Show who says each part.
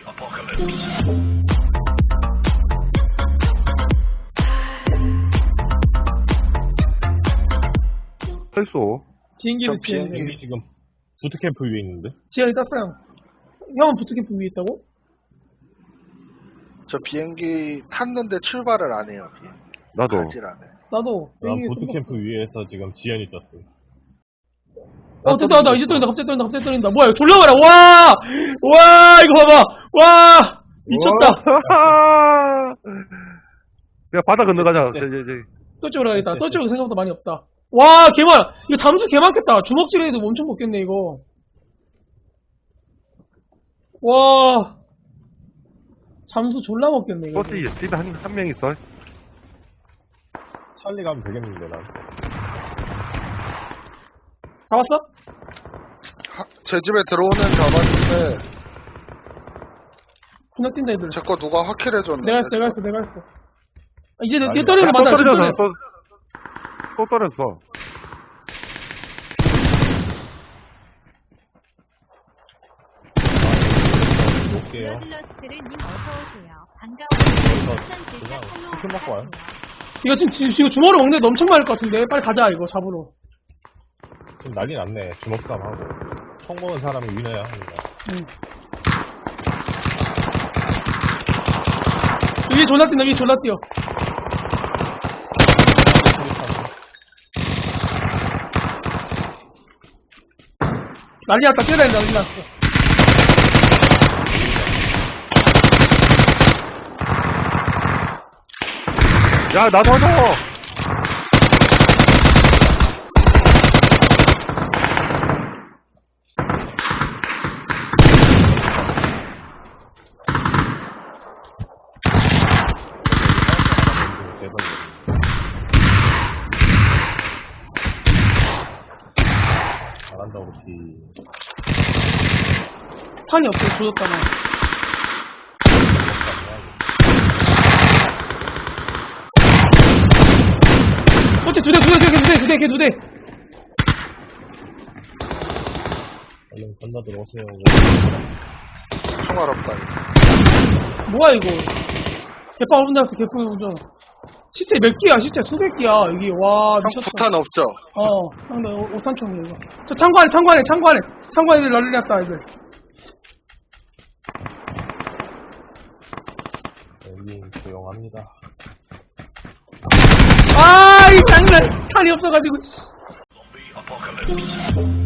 Speaker 1: 있어.
Speaker 2: 비행기는
Speaker 3: 비행기 지금 부트캠프 위에 있는데.
Speaker 2: 지연이 땄어요. 형은 부트캠프 위에 있다고?
Speaker 1: 저 비행기 탔는데 출발을 안 해요. 비행기.
Speaker 4: 나도.
Speaker 1: 가질 안 해.
Speaker 2: 나도.
Speaker 3: 난
Speaker 2: 비행기
Speaker 3: 부트캠프 위에서 지금 지연이 떴어.
Speaker 2: 됐다. 이제 떨린다. 갑자기 떨린다. 뭐야, 이거 졸라가라. 와, 이거 봐봐. 와, 미쳤다.
Speaker 4: 야, 바다 건너가자.
Speaker 3: 네.
Speaker 2: 또쪽으로 가야겠다. 또쪽은 생각보다 많이 없다. 와, 개 많아. 이거 잠수 개 많겠다. 주먹질해도 엄청 먹겠네, 이거. 와. 잠수 졸라 먹겠네, 이거.
Speaker 4: 버스 집에 한 명 있어.
Speaker 3: 찰리 가면 되겠는데 난.
Speaker 2: 잡았어?
Speaker 1: 제 집에 들어오는 잡았는데
Speaker 2: 그냥 뛴다, 애들.
Speaker 1: 제 거 누가 확킬해줬는데.
Speaker 2: 내가 했어. 아, 이제
Speaker 3: 아니,
Speaker 2: 내 떨리는 거
Speaker 4: 또
Speaker 2: 맞아, 지금
Speaker 4: 떨어졌어.
Speaker 2: 떨려.
Speaker 4: 또 떨어졌어.
Speaker 3: 놓을게요.
Speaker 5: 블러블러스트르님 어서오세요. 반가워요. 추천
Speaker 3: 그냥
Speaker 5: 글자 폴로우
Speaker 3: 치킨 먹고 와요.
Speaker 2: 이거 지금 주먹으로 먹는데 너 엄청 많을 것 같은데. 빨리 가자, 이거 잡으러.
Speaker 3: 지금 난리 났네. 주먹싸움 하고. 총 먹은 사람이 위너야 합니다.
Speaker 2: 응. 위에 졸라 뛴다, 위에 졸라 뛰어. 난리 났다, 뛰어다닌다, 난리 났어.
Speaker 4: 야, 나 도와줘!
Speaker 3: 잘한다 우리.
Speaker 2: 탄이 없어, 조졌다고. 어째 두 대.
Speaker 3: 얼른 건너 들어오세요.
Speaker 1: 총알 없다. 이거.
Speaker 2: 뭐야, 이거. 개빵 혼자 왔어, 개빵 혼자. 시체 몇 개야, 시체 수백 개야, 이게. 와,
Speaker 1: 형
Speaker 2: 미쳤다.
Speaker 1: 부탄 없죠?
Speaker 2: 형, 나 오탄총이야, 이거. 저 창고 안에 애들 난리 났다, 애들.
Speaker 3: 여기 조용합니다.
Speaker 2: 이 장난! 탄이 없어가지고, 씨.